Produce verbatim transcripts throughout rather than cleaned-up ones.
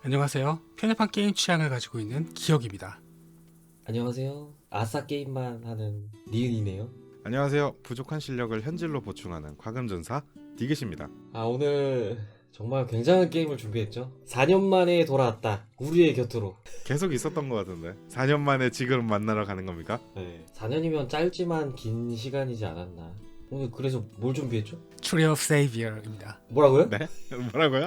안녕하세요. 편협한 게임 취향을 가지고 있는 기혁입니다. 안녕하세요. 아싸 게임만 하는 니은이네요. 안녕하세요. 부족한 실력을 현질로 보충하는 과금전사 디귿입니다. 아, 오늘 정말 굉장한 게임을 준비했죠. 사 년 만에 돌아왔다. 우리의 곁으로. 계속 있었던 것 같은데 사 년 만에 지금 만나러 가는 겁니까? 네. 사 년이면 짧지만 긴 시간이지 않았나. 오늘 그래서 뭘 준비했죠? Tree of Savior입니다. 뭐라고요? 네? 뭐라고요?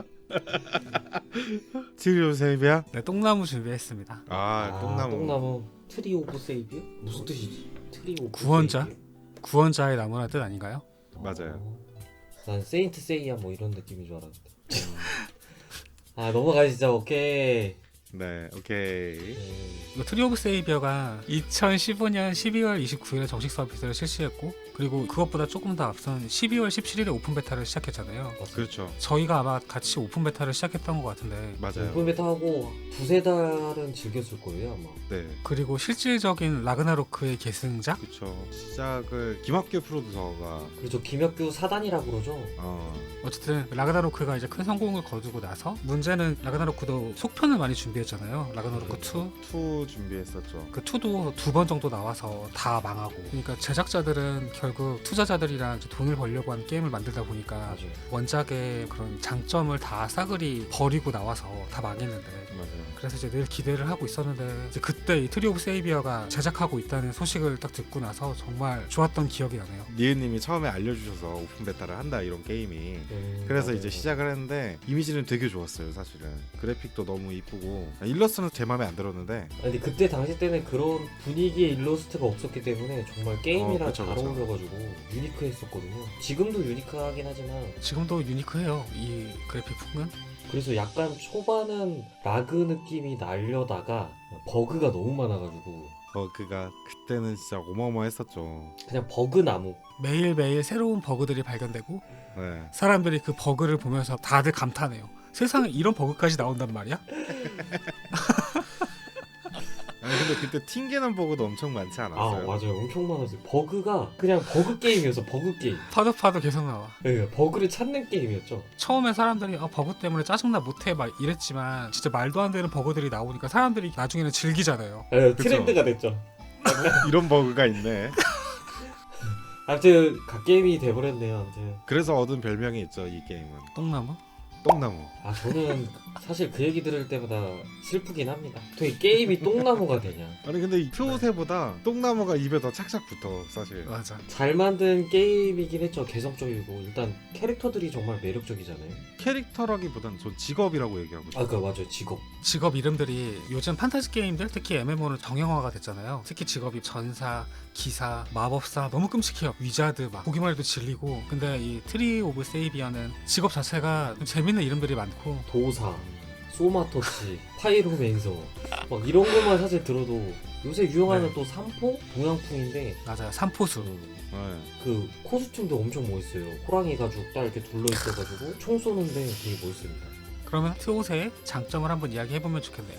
티리오 세이비야? 네, 똥나무 준비했습니다. 아, 똥나무. 똥나무. 트리 오브 세이비요? 무슨 뜻이지? 트리 오브 구원자? 세이비요? 구원자의 나무라는 뜻 아닌가요? 맞아요. 어, 난 세인트 세이야 뭐 이런 느낌인 줄 알았는데. 아, 넘어가시죠. 오케이. 네, 오케이. 네. 이거 트리 오브 세이비어가 이천십오 년 십이월 이십구일에 정식 서비스를 실시했고, 그리고 그것보다 조금 더 앞선 십이월 십칠일에 오픈 베타를 시작했잖아요. 그렇죠. 저희가 아마 같이 오픈 베타를 시작했던 것 같은데, 맞아요. 오픈 베타 하고 두세 달은 즐겼을 거예요 아마. 네, 그리고 실질적인 라그나로크의 계승작? 그렇죠. 시작을 김학규 프로듀서가 그렇죠. 김혁규 사단이라고 그러죠. 어, 어쨌든 라그나로크가 이제 큰 성공을 거두고 나서, 문제는 라그나로크도 속편을 많이 준비했잖아요. 라그나로크 투. 투 준비했었죠. 그 투도 두 번 정도 나와서 다 망하고, 그러니까 제작자들은 결국 투자자들이랑 이제 돈을 벌려고 하는 게임을 만들다 보니까 맞아요. 원작의 그런 장점을 다 싸그리 버리고 나와서 다 망했는데, 맞아요. 그래서 이제 늘 기대를 하고 있었는데, 이제 그때 이 트리 오브 세이비어가 제작하고 있다는 소식을 딱 듣고 나서 정말 좋았던 기억이 나네요. 니은님이 처음에 알려주셔서 오픈 베타를 한다 이런 게임이 음, 그래서 맞아요. 이제 시작을 했는데 이미지는 되게 좋았어요. 사실은 그래픽도 너무 이쁘고 일러스트는 제 마음에 안 들었는데 아니, 근데 그때 당시 때는 그런 분위기의 일러스트가 없었기 때문에 정말 게임이랑 어, 그쵸, 잘 그쵸. 어울려가지고 유니크했었거든요. 지금도 유니크하긴 하지만 지금도 유니크해요, 이 그래픽 풍은. 그래서 약간 초반은 라그 느낌이 날려다가 버그가 너무 많아가지고 버그가 그때는 진짜 어마어마했었죠. 그냥 버그 나무. 매일매일 새로운 버그들이 발견되고, 네. 사람들이 그 버그를 보면서 다들 감탄해요. 세상에 이런 버그까지 나온단 말이야? 아니 근데 그때 튕기는 버그도 엄청 많지 아 않았어요? 맞아요. 엄청 많았어요. 버그가 그냥 버그 게임이었어. 버그 게임. 파도 파도 계속 나와. 네, 버그를 찾는 게임이었죠. 처음에 사람들이 아, 버그 때문에 짜증나 못해 막 이랬지만, 진짜 말도 안 되는 버그들이 나오니까 사람들이 나중에는 즐기잖아요. 네, 그쵸. 트렌드가 됐죠. 이런 버그가 있네. 아무튼 갓게임이 돼버렸네요. 아무튼 그래서 얻은 별명이 있죠. 이 게임은 똥나무? 똥나무. 아 저는 사실 그 얘기 들을 때마다 슬프긴 합니다. 어떻게 게임이 똥나무가 되냐. 아니 근데 이 표세보다 똥나무가 입에 더 착착 붙어 사실. 맞아. 잘 만든 게임이긴 했죠. 개성적이고 일단 캐릭터들이 정말 매력적이잖아요. 캐릭터라기보단 전 직업이라고 얘기하고 싶어요. 아 그 맞아요. 직업. 직업 이름들이 요즘 판타지 게임들, 특히 엠엠오는 정형화가 됐잖아요. 특히 직업이 전사, 기사, 마법사 너무 끔찍해요. 위자드 막 보기만 해도 질리고. 근데 이 트리 오브 세이비어는 직업 자체가 좀 재밌는 이름들이 많고, 도사, 소마토치, 파이로맨서 막 이런 것만 사실 들어도 요새 유행하는 네. 또 삼포? 동양풍인데 맞아요. 삼포수. 음, 네. 그 코스튬도 엄청 멋있어요. 호랑이 가죽 딱 이렇게 둘러 있어가지고 총 쏘는데 되게 멋있습니다. 그러면 트옷의 장점을 한번 이야기해보면 좋겠네요.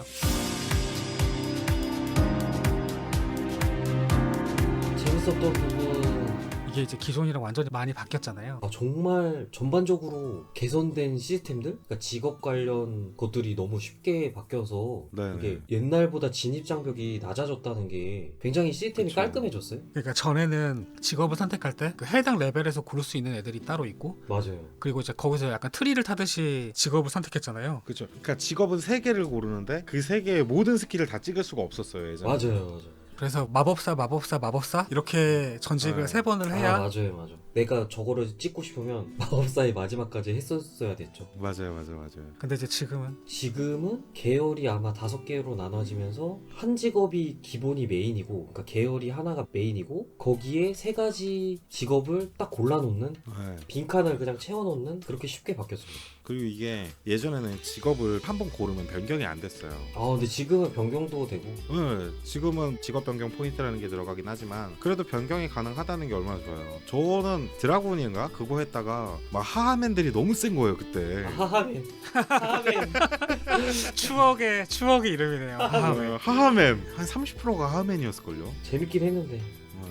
재밌었던 부분 이게 이제 기존이랑 완전히 많이 바뀌었잖아요. 아, 정말 전반적으로 개선된 시스템들? 그러니까 직업 관련 것들이 너무 쉽게 바뀌어서 네. 이게 옛날보다 진입 장벽이 낮아졌다는 게 굉장히 시스템이 그쵸. 깔끔해졌어요. 그러니까 전에는 직업을 선택할 때 그 해당 레벨에서 고를 수 있는 애들이 따로 있고, 맞아요. 그리고 이제 거기서 약간 트리를 타듯이 직업을 선택했잖아요. 그렇죠. 그러니까 직업은 세 개를 고르는데 그 세 개의 모든 스킬을 다 찍을 수가 없었어요 예전에. 맞아요, 맞아요. 그래서 마법사, 마법사, 마법사 이렇게 전직을 네. 세 번을 해야. 아, 맞아요, 맞아요. 내가 저거를 찍고 싶으면 마법사의 마지막까지 했었어야 됐죠. 맞아요, 맞아요, 맞아요. 근데 이제 지금은 지금은 계열이 아마 다섯 개로 나눠지면서 한 직업이 기본이 메인이고, 그러니까 계열이 하나가 메인이고 거기에 세 가지 직업을 딱 골라놓는 네. 빈칸을 그냥 채워놓는 그렇게 쉽게 바뀌었습니다. 그리고 이게 예전에는 직업을 한 번 고르면 변경이 안 됐어요. 아 근데 지금은 변경도 되고 네, 지금은 직업 변경 포인트라는 게 들어가긴 하지만 그래도 변경이 가능하다는 게 얼마나 좋아요. 저는 드라곤인가 그거 했다가 막 하하맨들이 너무 센 거예요 그때. 아, 하하맨 하하맨 추억의 추억의 이름이네요. 네, 하하맨. 하하맨 한 삼십 퍼센트가 하하맨이었을걸요. 재밌긴 했는데 네.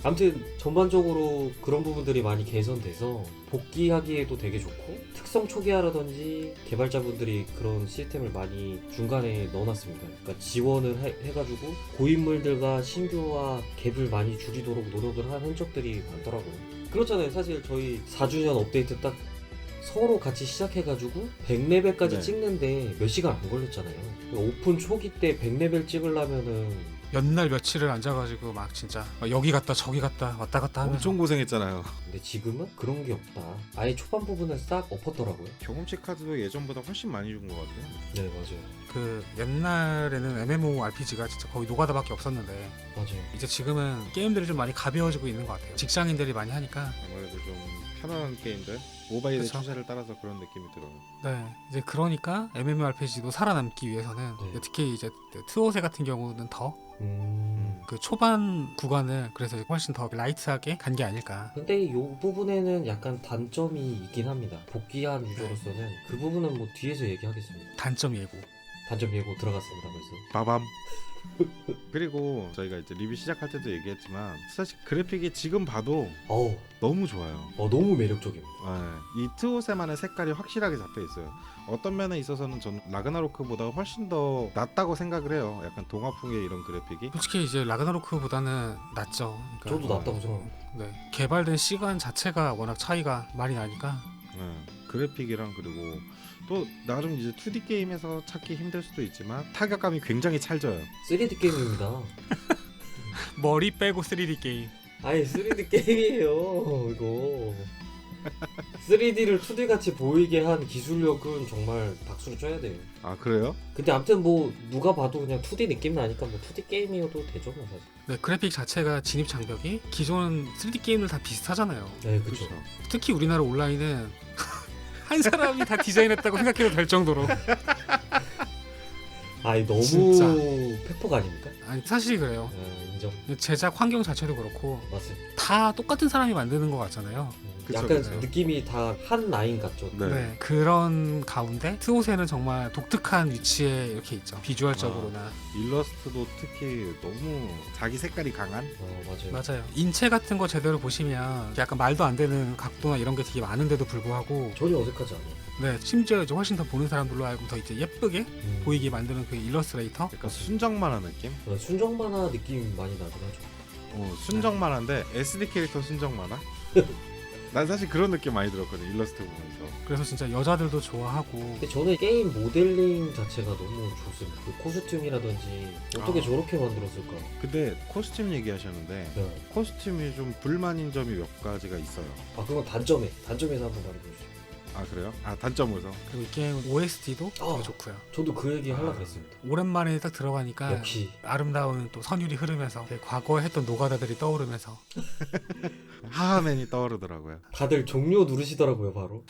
아무튼 전반적으로 그런 부분들이 많이 개선돼서 복귀하기에도 되게 좋고 특성 초기화라든지 개발자분들이 그런 시스템을 많이 중간에 넣어놨습니다. 그러니까 지원을 해, 해가지고 고인물들과 신규와 갭을 많이 줄이도록 노력을 한 흔적들이 많더라고요. 그렇잖아요. 사실 저희 사 주년 업데이트 딱 서로 같이 시작해가지고 백 레벨까지 네. 찍는데 몇 시간 안 걸렸잖아요. 오픈 초기 때 백 레벨 찍으려면은 연날 며칠을 앉아가지고 막 진짜 막 여기 갔다 저기 갔다 왔다 갔다 하면서 엄청 고생했잖아요. 근데 지금은 그런 게 없다. 아예 초반 부분을 싹 엎었더라고요. 경험치 카드도 예전보다 훨씬 많이 준 것 같아요. 네 맞아요. 그 옛날에는 엠엠오알피지가 진짜 거의 노가다밖에 없었는데 맞아요. 이제 지금은 게임들이 좀 많이 가벼워지고 있는 것 같아요. 직장인들이 많이 하니까. 아무래도 좀 편안한 게임들, 모바일의 그쵸. 추세를 따라서 그런 느낌이 들어요. 네, 이제 그러니까 엠엠오알피지도 살아남기 위해서는 네. 특히 이제 트오세 같은 경우는 더 그 음. 초반 구간을 그래서 훨씬 더 라이트하게 간 게 아닐까. 근데 이 부분에는 약간 단점이 있긴 합니다. 복귀한 유저로서는 그 부분은 뭐 뒤에서 얘기하겠습니다. 단점 예고. 단점 예고 들어갔습니다. 벌써. 바밤. 그리고 저희가 이제 리뷰 시작할 때도 얘기했지만 사실 그래픽이 지금 봐도 어우, 너무 좋아요. 어 너무 매력적입니다. 네, 이 트오세만의 색깔이 확실하게 잡혀 있어요. 어떤 면에 있어서는 전 라그나로크보다 훨씬 더 낫다고 생각을 해요. 약간 동화풍의 이런 그래픽이. 솔직히 이제 라그나로크보다는 낫죠. 그러니까 저도 낫다고 생각합니다. 네, 개발된 시간 자체가 워낙 차이가 많이 나니까. 네, 그래픽이랑 그리고 또 나름 이제 투디 게임에서 찾기 힘들 수도 있지만 타격감이 굉장히 찰져요. 쓰리디 게임입니다. 머리 빼고 쓰리디 게임. 아니 쓰리디 게임이에요 이거. 쓰리디를 투디 같이 보이게 한 기술력은 정말 박수를 쳐야 돼요. 아 그래요? 근데 아무튼 뭐 누가 봐도 그냥 투디 느낌 나니까 뭐 투디 게임이어도 되죠 뭐 사실. 네, 그래픽 자체가 진입 장벽이 기존 쓰리디 게임들 다 비슷하잖아요. 네 그렇죠. 특히 우리나라 온라인은 한 사람이 다 디자인했다고 생각해도 될 정도로. 아니 너무 진짜. 페퍼가 아닙니까? 아니 사실 그래요. 아, 인정. 제작 환경 자체도 그렇고 맞습니다. 다 똑같은 사람이 만드는 것 같잖아요. 음, 그쵸, 약간 그쵸. 느낌이 다 한 라인 같죠. 네. 네. 그런 가운데 트오세는 정말 독특한 위치에 이렇게 있죠. 비주얼적으로나. 일러스트도 특히 너무 자기 색깔이 강한. 어 맞아요. 맞아요. 인체 같은 거 제대로 보시면 약간 말도 안 되는 각도나 이런 게 되게 많은데도 불구하고 전혀 어색하지 않아요. 네, 심지어 이제 훨씬 더 보는 사람들로 알고 더 이제 예쁘게 음. 보이게 만드는 그 일러스트레이터. 약간 순정 만화 느낌? 어, 순정 만화 느낌 많이 나긴 하죠. 어, 순정 만화인데 에스디 캐릭터 순정 만화? 난 사실 그런 느낌 많이 들었거든 일러스트 보면서. 그래서 진짜 여자들도 좋아하고. 근데 저는 게임 모델링 자체가 너무 좋습니다. 그 코스튬이라든지 어떻게 아. 저렇게 만들었을까? 근데 코스튬 얘기하셨는데 네. 코스튬이 좀 불만인 점이 몇 가지가 있어요. 아 그건 단점에 단점에서 한번 말해보시죠. 아 그래요? 아 단점으로. 그리고 이 게임 오에스티도 어. 되게 좋고요. 저도 그 얘기 하려고 아. 했습니다. 오랜만에 딱 들어가니까 역시 아름다운 또 선율이 흐르면서 되게 과거에 했던 노가다들이 떠오르면서 하하맨이 떠오르더라고요. 다들 종료 누르시더라고요 바로.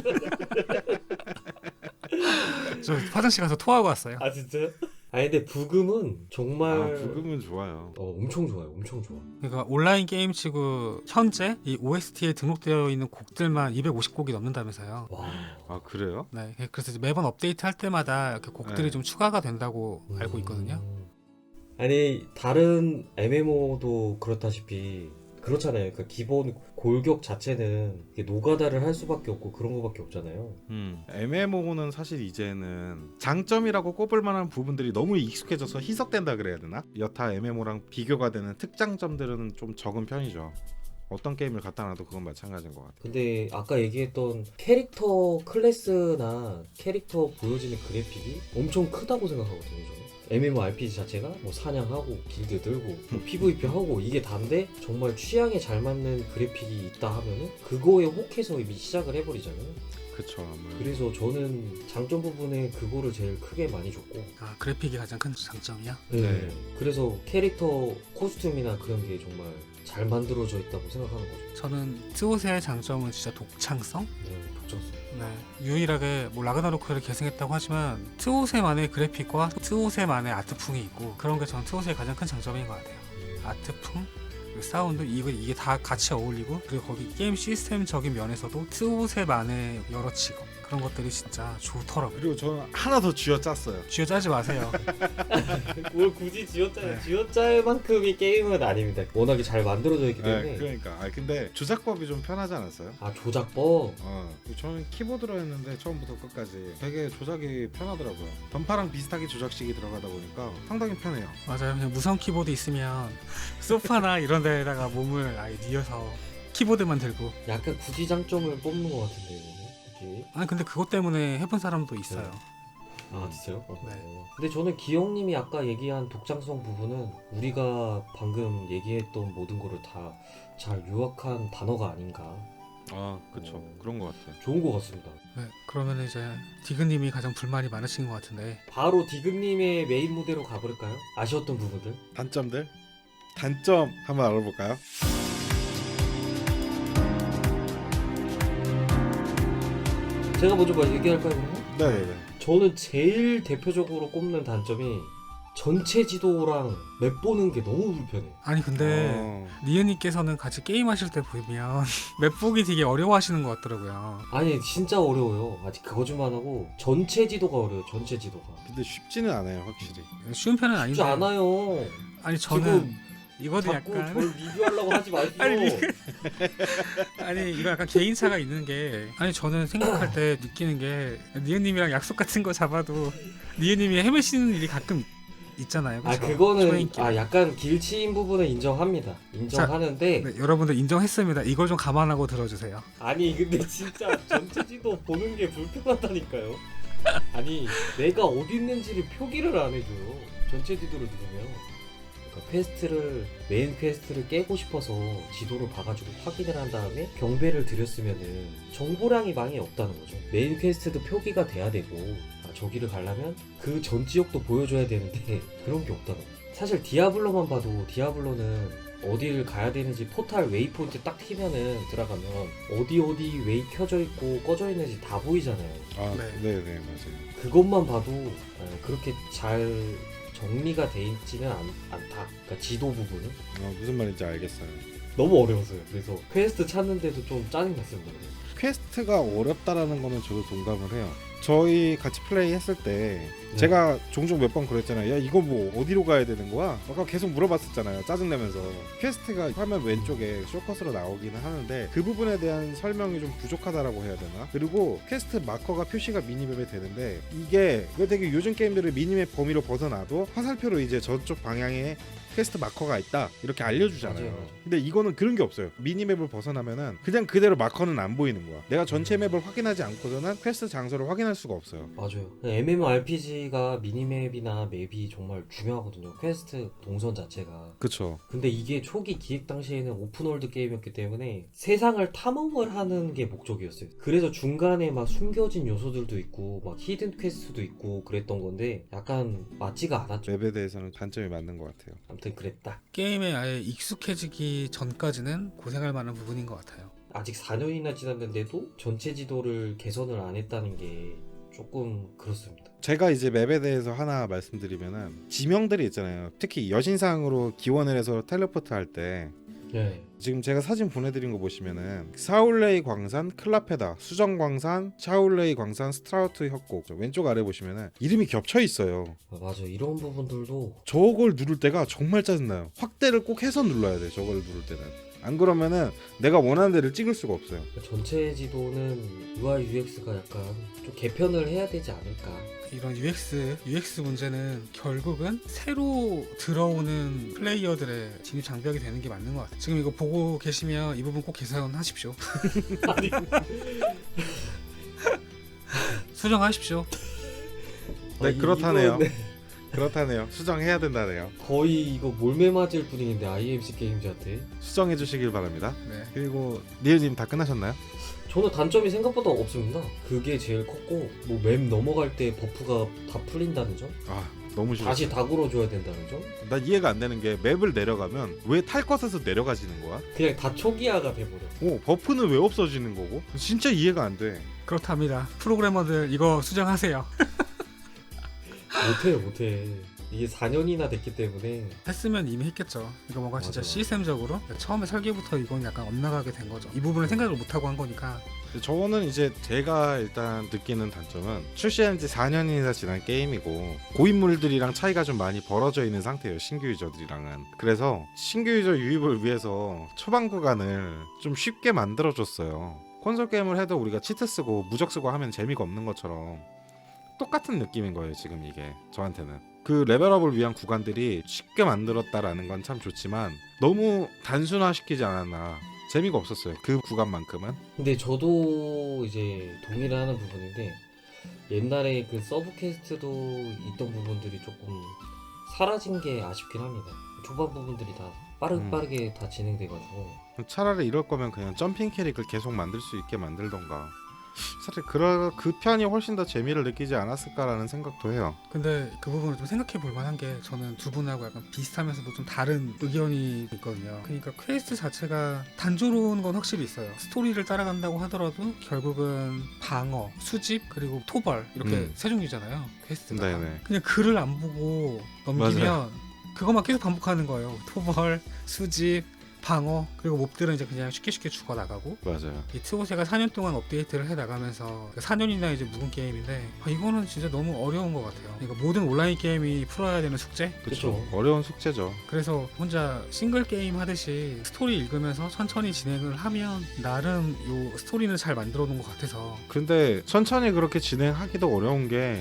저 화장실 가서 토하고 왔어요. 아 진짜요? 아니 근데 부금은 정말 아 부금은 좋아요. 어 엄청 좋아요. 엄청 좋아. 그러니까 온라인 게임치고 현재 이 오에스티에 등록되어 있는 곡들만 이백오십 곡이 넘는다면서요. 와. 아 그래요? 네, 그래서 이제 매번 업데이트 할 때마다 이렇게 곡들이 네. 좀 추가가 된다고 알고 있거든요. 음. 아니 다른 엠엠오도 그렇다시피 그렇잖아요. 그러니까 기본 골격 자체는 이게 노가다를 할 수밖에 없고 그런 거밖에 없잖아요. 음. 엠엠오는 사실 이제는 장점이라고 꼽을 만한 부분들이 너무 익숙해져서 희석된다 그래야 되나? 여타 엠엠오랑 비교가 되는 특장점들은 좀 적은 편이죠. 어떤 게임을 갖다 놔도 그건 마찬가지인 것 같아요. 근데 아까 얘기했던 캐릭터 클래스나 캐릭터 보여지는 그래픽이 엄청 크다고 생각하거든요. 저는. 엠엠오알피지 자체가 뭐 사냥하고 길드 들고 뭐 피브이피하고 이게 다인데 정말 취향에 잘 맞는 그래픽이 있다 하면은 그거에 혹해서 이미 시작을 해버리잖아요. 그쵸. 아무래도. 그래서 저는 장점 부분에 그거를 제일 크게 많이 줬고 아, 그래픽이 가장 큰 장점이야? 네. 네. 그래서 캐릭터 코스튬이나 그런 게 정말 잘 만들어져 있다고 생각하는 거죠. 저는 트오세의 장점은 진짜 독창성? 네, 독점성. 네, 유일하게 뭐 라그나로크를 계승했다고 하지만 트오세만의 그래픽과 트오세만의 아트풍이 있고 그런 게 저는 트오세의 가장 큰 장점인 것 같아요. 아트풍, 그리고 사운드 이거 이게 다 같이 어울리고 그리고 거기 게임 시스템적인 면에서도 트오세만의 여러 직업 그런 것들이 진짜 좋더라고요. 그리고 저는 하나 더 쥐어짰어요. 쥐어짜지 마세요. 뭘 굳이 쥐어짜요? 네. 쥐어짤 만큼의 게임은 아닙니다. 워낙에 잘 만들어져 있기 때문에. 네, 그러니까. 아 근데 조작법이 좀 편하지 않았어요? 아 조작법. 어, 저는 키보드로 했는데 처음부터 끝까지 되게 조작이 편하더라고요. 던파랑 비슷하게 조작식이 들어가다 보니까 상당히 편해요. 맞아요. 그냥 무선 키보드 있으면 소파나 이런 데다가 몸을 아예 뉘어서 키보드만 들고. 약간 굳이 장점을 뽑는 것 같은데 이거는. 굳이. 아니 근데 그것 때문에 해본 사람도 있어요. 네. 아 진짜요? 어. 네. 근데 저는 기영님이 아까 얘기한 독창성 부분은 우리가 방금 얘기했던 모든 거를 다 잘 요약한 단어가 아닌가. 아 그쵸. 어. 그런 것 같아요. 좋은 것 같습니다. 네. 그러면 이제 디그님이 가장 불만이 많으신 것 같은데. 바로 디귿님의 메인 무대로 가버릴까요? 아쉬웠던 부분들. 단점들? 단점 한번 알아볼까요? 제가 먼저 뭐 얘기할까요 그러면? 네네네. 저는 제일 대표적으로 꼽는 단점이 전체 지도랑 맵 보는 게 너무 불편해요. 아니 근데 어, 리은님께서는 같이 게임하실 때 보면 맵 보기 되게 어려워하시는 것 같더라고요. 아니 진짜 어려워요. 아직 거짓말 하고 전체 지도가 어려워요. 전체 지도가. 근데 쉽지는 않아요 확실히. 쉬운 편은 아닌데. 쉽지 않아요. 아니 저는 지금 이것도 자꾸 약간 뭘 리뷰하려고 하지 마시고. 아니, 리- 아니 이거 약간 개인차가 있는 게 아니 저는 생각할 때 느끼는 게 니은님이랑 약속 같은 거 잡아도 니은님이 헤매시는 일이 가끔 있잖아요. 아 그쵸? 그거는 초행길. 아 약간 길치인 부분은 인정합니다. 인정하는데 네, 여러분들 인정했습니다. 이걸 좀 감안하고 들어주세요. 아니 근데 진짜 전체 지도 보는 게 불편하다니까요. 아니 내가 어디 있는지를 표기를 안 해줘요. 전체 지도를 누르면. 그러니까 퀘스트를 메인 퀘스트를 깨고 싶어서 지도를 봐가지고 확인을 한 다음에 경배를 드렸으면은 정보량이 많이 없다는 거죠. 메인 퀘스트도 표기가 돼야 되고 아, 저기를 가려면 그 전 지역도 보여줘야 되는데 그런 게 없다는 거죠. 사실 디아블로만 봐도 디아블로는 어디를 가야 되는지 포탈 웨이포인트 딱 튀면은 들어가면 어디 어디 웨이 켜져 있고 꺼져 있는지 다 보이잖아요. 아 네. 네네 맞아요. 그것만 봐도 에, 그렇게 잘 정리가 돼 있지는 않, 않다. 그러니까 지도 부분은 어, 무슨 말인지 알겠어요. 너무 어려웠어요. 그래서 퀘스트 찾는데도 좀 짜증 났습니다. 퀘스트가 어렵다라는 거는 저도 동감을 해요. 저희 같이 플레이 했을 때 네. 제가 종종 몇 번 그랬잖아요. 야 이거 뭐 어디로 가야 되는 거야? 아까 계속 물어봤었잖아요. 짜증내면서. 퀘스트가 화면 왼쪽에 쇼컷으로 나오기는 하는데 그 부분에 대한 설명이 좀 부족하다라고 해야 되나? 그리고 퀘스트 마커가 표시가 미니맵에 되는데 이게 왜 되게 요즘 게임들을 미니맵 범위로 벗어나도 화살표로 이제 저쪽 방향에 퀘스트 마커가 있다 이렇게 알려주잖아요. 맞아요, 맞아요. 근데 이거는 그런 게 없어요. 미니맵을 벗어나면은 그냥 그대로 마커는 안 보이는 거야. 내가 전체 맵을 확인하지 않고서는 퀘스트 장소를 확인할 수가 없어요. 맞아요. 엠엠오알피지가 미니맵이나 맵이 정말 중요하거든요. 퀘스트 동선 자체가. 그쵸. 근데 이게 초기 기획 당시에는 오픈월드 게임이었기 때문에 세상을 탐험을 하는 게 목적이었어요. 그래서 중간에 막 숨겨진 요소들도 있고 막 히든 퀘스트도 있고 그랬던 건데 약간 맞지가 않았죠. 맵에 대해서는 단점이 맞는 것 같아요. 아무튼 그랬다. 게임에 아예 익숙해지기 전까지는 고생할 만한 부분인 것 같아요. 아직 사 년이나 지났는데도 전체 지도를 개선을 안 했다는 게 조금 그렇습니다. 제가 이제 맵에 대해서 하나 말씀드리면은 지명들이 있잖아요. 특히 여신상으로 기원을 해서 텔레포트 할 때 네. 지금 제가 사진 보내드린 거 보시면은 사울레이 광산, 클라페다, 수정광산, 샤울레이 광산, 스트라우트 협곡 왼쪽 아래 보시면은 이름이 겹쳐 있어요. 아, 맞아. 이런 부분들도 저걸 누를 때가 정말 짜증나요. 확대를 꼭 해서 눌러야 돼. 저걸 누를 때는. 안 그러면은 내가 원하는 데를 찍을 수가 없어요. 전체 지도는 유아이 유엑스가 약간 좀 개편을 해야 되지 않을까. 이런 유엑스, 유엑스 문제는 결국은 새로 들어오는 플레이어들의 진입 장벽이 되는 게 맞는 것 같아요. 지금 이거 보고 계시면 이 부분 꼭 개선하십시오. 아니, 수정하십시오. 네, 아, 이- 그렇다네요. 이거는 그렇다네요. 수정해야 된다네요. 거의 이거 몰매 맞을 분위기인데 아이엠씨 게임즈한테. 수정해 주시길 바랍니다. 네. 그리고 니은님 다 끝나셨나요? 저는 단점이 생각보다 없습니다. 그게 제일 컸고 뭐 맵 넘어갈 때 버프가 다 풀린다는 점, 아 너무 싫어. 다시 다 걸어줘야 된다는 점, 난 이해가 안 되는 게 맵을 내려가면 왜 탈 것에서 내려가지는 거야? 그냥 다 초기화가 돼버려. 어 버프는 왜 없어지는 거고? 진짜 이해가 안 돼. 그렇답니다. 프로그래머들 이거 수정하세요. 못해 못해. 이게 사 년이나 됐기 때문에 했으면 이미 했겠죠. 이거 뭔가 진짜 맞아. 시스템적으로 처음에 설계부터 이건 약간 엇나가게 된 거죠. 이 부분을 생각을 못하고 한 거니까. 저는 이제 제가 일단 느끼는 단점은 출시한 지 사 년이나 지난 게임이고 고인물들이랑 차이가 좀 많이 벌어져 있는 상태예요, 신규 유저들이랑은. 그래서 신규 유저 유입을 위해서 초반 구간을 좀 쉽게 만들어줬어요. 콘솔 게임을 해도 우리가 치트 쓰고 무적 쓰고 하면 재미가 없는 것처럼 똑같은 느낌인 거예요, 지금 이게 저한테는. 그 레벨업을 위한 구간들이 쉽게 만들었다라는 건 참 좋지만 너무 단순화시키지 않았나, 재미가 없었어요, 그 구간만큼은. 근데 저도 이제 동의를 하는 부분인데 옛날에 그 서브 퀘스트도 있던 부분들이 조금 사라진 게 아쉽긴 합니다. 초반 부분들이 다 빠르, 음. 빠르게 다 진행돼가지고 차라리 이럴 거면 그냥 점핑 캐릭을 계속 만들 수 있게 만들던가. 사실 그러, 그 편이 훨씬 더 재미를 느끼지 않았을까라는 생각도 해요. 근데 그 부분을 좀 생각해 볼 만한 게 저는 두 분하고 약간 비슷하면서도 좀 다른 의견이 있거든요. 그러니까 퀘스트 자체가 단조로운 건 확실히 있어요. 스토리를 따라간다고 하더라도 결국은 방어, 수집, 그리고 토벌 이렇게 음. 세 종류잖아요. 퀘스트가. 네네. 그냥 글을 안 보고 넘기면 맞아요. 그것만 계속 반복하는 거예요. 토벌, 수집, 방어, 그리고 몹들은 이제 그냥 쉽게 쉽게 죽어 나가고. 맞아요. 이 트오세가 사 년 동안 업데이트를 해 나가면서 사 년이나 이제 묵은 게임인데 아, 이거는 진짜 너무 어려운 것 같아요. 그러니까 모든 온라인 게임이 풀어야 되는 숙제. 그쵸. 그쵸. 어려운 숙제죠. 그래서 혼자 싱글 게임 하듯이 스토리 읽으면서 천천히 진행을 하면 나름 요 스토리는 잘 만들어 놓은 것 같아서. 근데 천천히 그렇게 진행하기도 어려운 게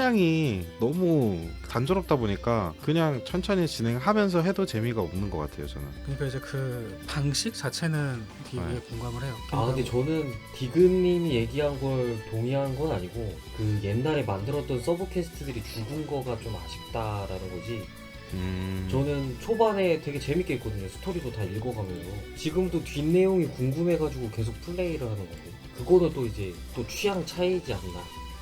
사냥이 너무 단조롭다 보니까 그냥 천천히 진행하면서 해도 재미가 없는 것 같아요, 저는. 그러니까 이제 그 방식 자체는 되게 네. 공감을 해요. 아 근데 저는 디그님이 얘기한 걸 동의한 건 아니고 그 옛날에 만들었던 서브 퀘스트들이 죽은 거가 좀 아쉽다라는 거지. 음... 저는 초반에 되게 재밌게 했거든요. 스토리도 다 읽어가면서. 지금도 뒷내용이 궁금해가지고 계속 플레이를 하는 건데 그거는 또 이제 또 취향 차이지 않나.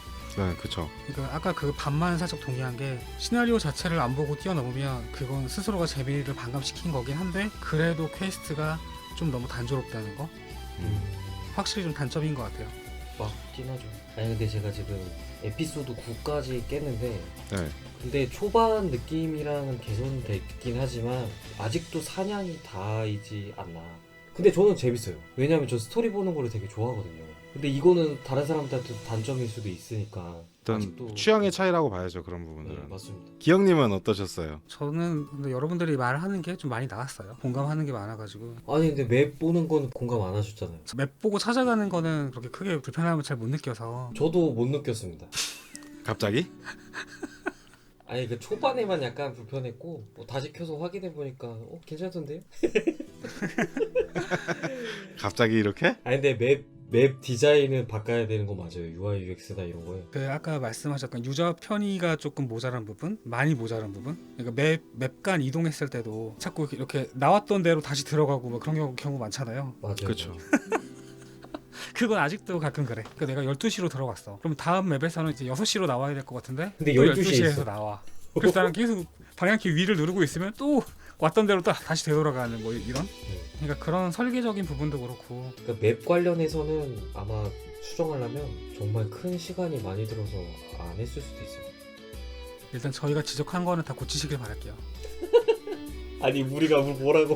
네, 그쵸. 그러니까 아까 그 반만 살짝 동의한 게 시나리오 자체를 안 보고 뛰어넘으면 그건 스스로가 재미를 반감시킨 거긴 한데 그래도 퀘스트가 좀 너무 단조롭다는 거 음. 확실히 좀 단점인 것 같아요. 맞긴 하죠. 아니 근데 제가 지금 에피소드 구까지 깼는데 네. 근데 초반 느낌이랑은 개선됐긴 하지만 아직도 사냥이 다이지 않나. 근데 저는 재밌어요. 왜냐면 저 스토리 보는 거를 되게 좋아하거든요. 근데 이거는 다른 사람들한테 단점일 수도 있으니까 일단 아직도 취향의 차이라고 봐야죠, 그런 네, 부분들은. 맞습니다. 기영님은 어떠셨어요? 저는 근데 여러분들이 말하는 게 좀 많이 나왔어요. 공감하는 게 많아가지고 아니 근데 맵 보는 건 공감 안 하셨잖아요. 맵 보고 찾아가는 거는 그렇게 크게 불편함을 잘 못 느껴서. 저도 못 느꼈습니다. 갑자기? 아니 그 초반에만 약간 불편했고 뭐 다시 켜서 확인해 보니까 어 괜찮던데요? 갑자기 이렇게? 아니 근데 맵 맵 디자인은 바꿔야 되는 거 맞아요. 유아이 유엑스나 이런 거에. 그 아까 말씀하셨던 유저 편의가 조금 모자란 부분, 많이 모자란 부분. 그러니까 맵 맵간 이동했을 때도 자꾸 이렇게 나왔던 대로 다시 들어가고 뭐 그런 경우, 경우 많잖아요. 맞아요. 그쵸. 그건 아직도 가끔 그래. 그러니까 내가 열두 시로 들어갔어. 그럼 다음 맵에서는 이제 여섯 시로 나와야 될 것 같은데 근데 또 열두 시에 열두 시에서 있어. 나와. 그래서 나는 계속 방향키 위를 누르고 있으면 또 왔던 대로 또 다시 되돌아가는 뭐 이런. 그러니까 그런 설계적인 부분도 그렇고. 그러니까 맵 관련해서는 아마 수정하려면 정말 큰 시간이 많이 들어서 안 했을 수도 있어요. 일단 저희가 지적한 거는 다 고치시길 바랄게요. 아니 우리가 뭐라고?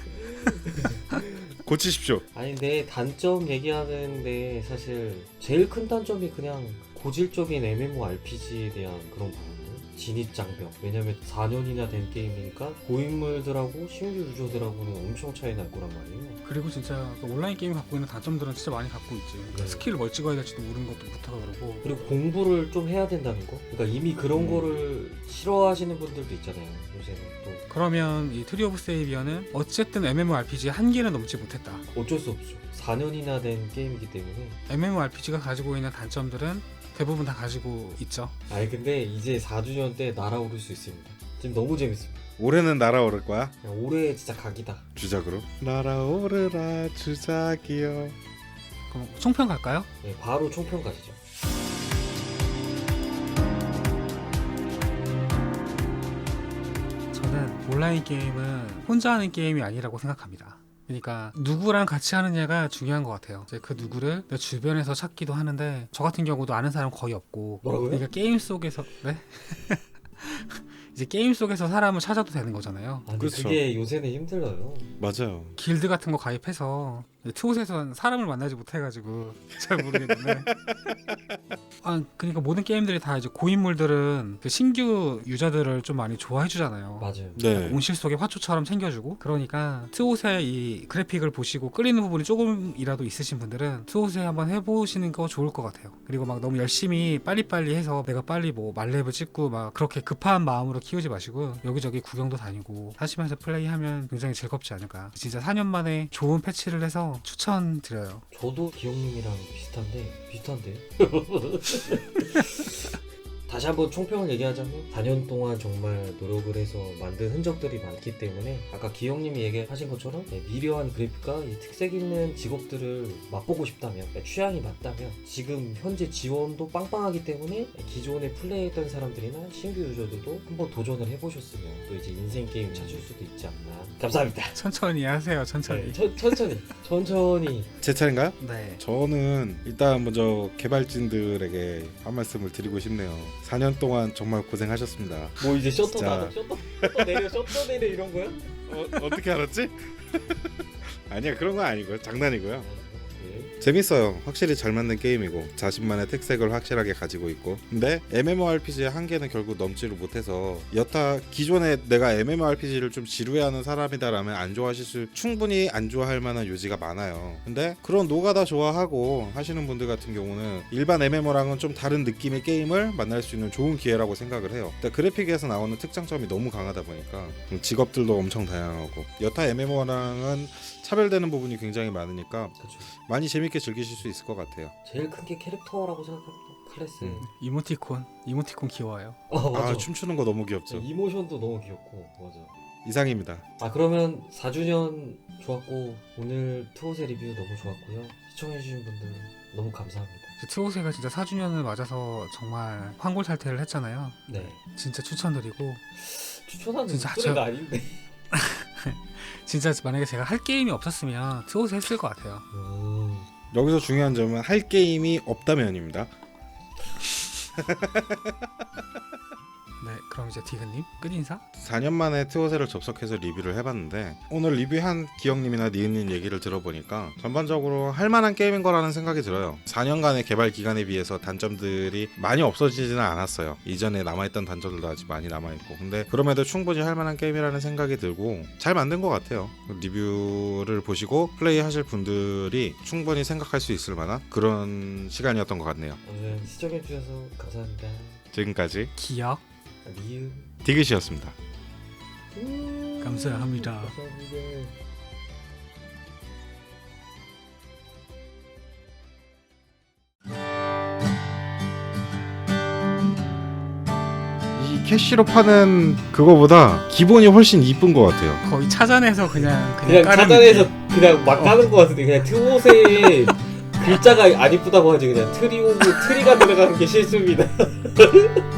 고치십시오. 아니 근데 단점 얘기하는데 사실 제일 큰 단점이 그냥 고질적인 엠엠오알피지에 대한 그런 부분. 진입장벽. 왜냐면 사 년이나 된 게임이니까 고인물들하고 신규 유저들하고는 엄청 차이 날 거란 말이에요. 그리고 진짜 그 온라인 게임이 갖고 있는 단점들은 진짜 많이 갖고 있지. 그러니까 네. 스킬을 뭘 찍어야 될지도 모르는 것부터가 그러고. 그리고 공부를 좀 해야 된다는 거. 그러니까 이미 그런 음. 거를 싫어하시는 분들도 있잖아요. 요새는 또 그러면 이 트리 오브 세이비어는 어쨌든 엠엠오알피지의 한계는 넘지 못했다. 어쩔 수 없죠. 사 년이나 된 게임이기 때문에. 엠엠오알피지가 가지고 있는 단점들은 대부분 다 가지고 있죠. 아니 근데 이제 사 주년 때 날아오를 수 있습니다. 지금 너무 재밌습니다. 올해는 날아오를 거야? 그냥 올해 진짜 각이다. 주작으로? 날아오르라 주작이여. 그럼 총평 갈까요? 네, 바로 총평 가시죠. 저는 온라인 게임은 혼자 하는 게임이 아니라고 생각합니다. 그러니까 누구랑 같이 하느냐가 중요한 것 같아요. 이제 그 누구를 내 주변에서 찾기도 하는데 저 같은 경우도 아는 사람 거의 없고. 뭐라고요? 그러니까 게임 속에서 네? 이제 게임 속에서 사람을 찾아도 되는 거잖아요. 아, 근데 그렇죠. 그게 요새는 힘들어요. 맞아요. 길드 같은 거 가입해서 트옷에선 사람을 만나지 못해가지고 잘 모르겠는데 아 그러니까 모든 게임들이 다 이제 고인물들은 그 신규 유저들을 좀 많이 좋아해주잖아요. 맞아요. 네. 온실 속의 화초처럼 챙겨주고 그러니까 트옷의 이 그래픽을 보시고 끌리는 부분이 조금이라도 있으신 분들은 트옷에 한번 해보시는 거 좋을 것 같아요. 그리고 막 너무 열심히 빨리빨리 해서 내가 빨리 뭐 말렙을 찍고 막 그렇게 급한 마음으로 키우지 마시고 여기저기 구경도 다니고 하시면서 플레이하면 굉장히 즐겁지 않을까. 진짜 사 년 만에 좋은 패치를 해서 추천드려요. 저도 기영님이랑 비슷한데 비슷한데. 다시 한번 총평을 얘기하자면 사 년 동안 정말 노력을 해서 만든 흔적들이 많기 때문에 아까 기영님이 얘기하신 것처럼 미려한 그래픽과 이 특색 있는 직업들을 맛보고 싶다면 취향이 맞다면 지금 현재 지원도 빵빵하기 때문에 기존에 플레이했던 사람들이나 신규 유저들도 한번 도전을 해보셨으면 또 이제 인생 게임 찾을 수도 있지 않나. 감사합니다. 천천히 하세요. 천천히. 네, 천, 천천히 천천히. 제 차례인가요? 네. 저는 일단 먼저 개발진들에게 한 말씀을 드리고 싶네요. 사 년 동안 정말 고생하셨습니다. 뭐 이제 셔터 진짜. 닫아 셔터, 셔터 내려 셔터 내려 이런 거야? 어, 어떻게 알았지? 아니야, 그런 건 아니고요. 장난이고요. 네. 재밌어요. 확실히 잘 만든 게임이고 자신만의 특색을 확실하게 가지고 있고, 근데 엠엠오알피지의 한계는 결국 넘지를 못해서 여타 기존에 내가 엠엠오알피지를 좀 지루해하는 사람이다라면 안 좋아하실 수, 충분히 안 좋아할 만한 요지가 많아요. 근데 그런 노가다 좋아하고 하시는 분들 같은 경우는 일반 엠엠오랑은 좀 다른 느낌의 게임을 만날 수 있는 좋은 기회라고 생각을 해요. 근데 그래픽에서 나오는 특장점이 너무 강하다 보니까 직업들도 엄청 다양하고 여타 엠엠오랑은 차별되는 부분이 굉장히 많으니까 그렇죠. 많이 재밌게 즐기실 수 있을 것 같아요. 제일 큰 게 캐릭터라고 생각합니다. 클래스. 음. 이모티콘. 이모티콘 귀여워요. 어, 맞아. 아, 춤추는 거 너무 귀엽죠. 이모션도 너무 귀엽고 맞아. 이상입니다. 아 그러면 사 주년 좋았고 오늘 투어세 리뷰 너무 좋았고요. 시청해주신 분들 너무 감사합니다. 트오세가 진짜 사 주년을 맞아서 정말 환골탈태를 했잖아요. 네. 진짜 추천드리고 추천하는 진짜 소리가 저- 아닌데. 진짜 만약에 제가 할 게임이 없었으면 트오세 했을 것 같아요. 음. 여기서 중요한 점은 할 게임이 없다면입니다. 네, 그럼 이제 디그님 끝인사? 사 년 만에 트오세를 접속해서 리뷰를 해봤는데 오늘 리뷰한 기영님이나 니은님 얘기를 들어보니까 전반적으로 할만한 게임인 거라는 생각이 들어요. 사 년간의 개발 기간에 비해서 단점들이 많이 없어지지는 않았어요. 이전에 남아있던 단점들도 아직 많이 남아있고, 근데 그럼에도 충분히 할만한 게임이라는 생각이 들고 잘 만든 것 같아요. 리뷰를 보시고 플레이하실 분들이 충분히 생각할 수 있을 만한 그런 시간이었던 것 같네요. 오늘 시청해주셔서 감사합니다. 지금까지 기억 리우. 디귿이었습니다. 음. 감사합니다. 감사합니다. 이 캐시로 파는 그거보다 기본이 훨씬 이쁜 것 같아요. 거의 찾아내서 그냥 그냥, 그냥 깔은 차단해서 느낌. 그냥 막 까는 것 같은데 그냥 트옷에 글자가 안 이쁘다고 하지 그냥 트리 오브 트리가 들어가는 게 실수입니다.